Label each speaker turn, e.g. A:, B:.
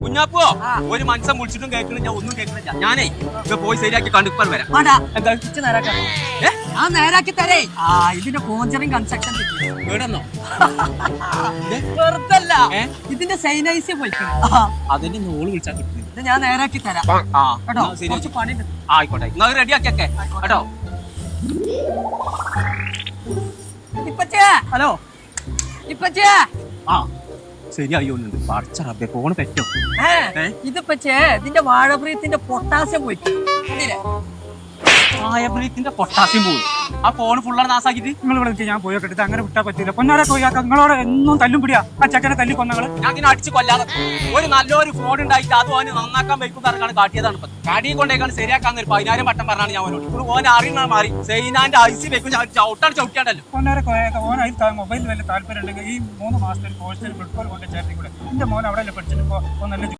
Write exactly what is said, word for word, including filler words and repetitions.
A: കുഞ്ഞാപ്പോ ഒരു മനസ്സം വിളിച്ചിട്ടും കേൾക്കണില്ല, ഒന്നും കേൾക്കണില്ല. ഞാനേ ഇത് പോയി ശരിയാക്കി കണ്ടിപ്പർ വരാം. എന്താ
B: ഞാൻ നേരാക്കി തരേ. ആ ഇതിന്റെ കോഞ്ചറിങ് കൺസ്ട്രക്ഷൻ
A: വീടന്നോ
B: വെറുതല്ല, ഇതിന്റെ സൈനൈസ് പോയിക്കണം.
A: അതിന്റെ നോള് വിളിച്ചാൽ കിട്ടുന്നില്ല.
B: ഇത് ഞാൻ നേരാക്കി തരാം കേട്ടോ. കുറച്ച് പണിയുണ്ട്.
A: ആയിക്കോട്ടെ, നിങ്ങൾ റെഡി ആക്കിയൊക്കെ കേട്ടോ.
B: ഇപ്പച്ചേ, ഹലോ ഇപ്പച്ചേ.
A: ആ ശരിയായോന്നുണ്ട്. പറിച്ച റബ്ബേ ഫോണ് പറ്റോ?
B: ഇതിപ്പച്ചേ ഇതിന്റെ വാഴപ്രീത്തിന്റെ പൊട്ടാസ്യം പോയിട്ട്
A: വാഴപ്രീത്തിന്റെ പൊട്ടാസ്യം പോയി. ആ ഫോൺ ഫുള്ളാണ് നാസാക്കിട്ട്
C: നിങ്ങൾ വിളിച്ച് ഞാൻ പോയോ കെട്ടിട്ട് അങ്ങനെ വിട്ടാ പറ്റില്ല. പൊന്നാരെ പോയാക്ക നിങ്ങളോട് എന്നും തല്ലും പിടിയാ. ആ ചക്കനെ തല്ലി കൊന്നങ്ങള്
A: ഞാൻ ഇങ്ങനെ അടിച്ച് കൊല്ലാതെ ഒരു നല്ലൊരു ഫോൺ ഉണ്ടായിട്ട് അത് ഓന് നന്നാക്കാൻ വയ്ക്കും പറഞ്ഞാണ് കാട്ടിയതാണ്. ഇപ്പൊ കാടി കൊണ്ടേക്കാണ് ശരിയാക്കാൻ ഒരു പതിനായിരം വട്ടം പറഞ്ഞാണ് ഞാൻ ഓനോട്. ഇപ്പോൾ ഓൻ അറിയണ മാറി സൈനാന്റെ ഐസി വെക്കും ചവിട്ടാണ് ചവിട്ടാണ്ടല്ലോ.
C: പൊന്നാരെ കോയാക്ക ഓൻ അതിൽ മൊബൈലിൽ വല്ല താല്പര്യം ഉണ്ടെങ്കിൽ ഈ മൂന്ന് മാസത്തെ കോഴ്സിൽ ഫുട്ബോൾ കൊണ്ട് ചേർത്തി കൂടെ. എന്റെ മോൻ അവിടെ പഠിച്ചിട്ട് ഇപ്പൊ നല്ല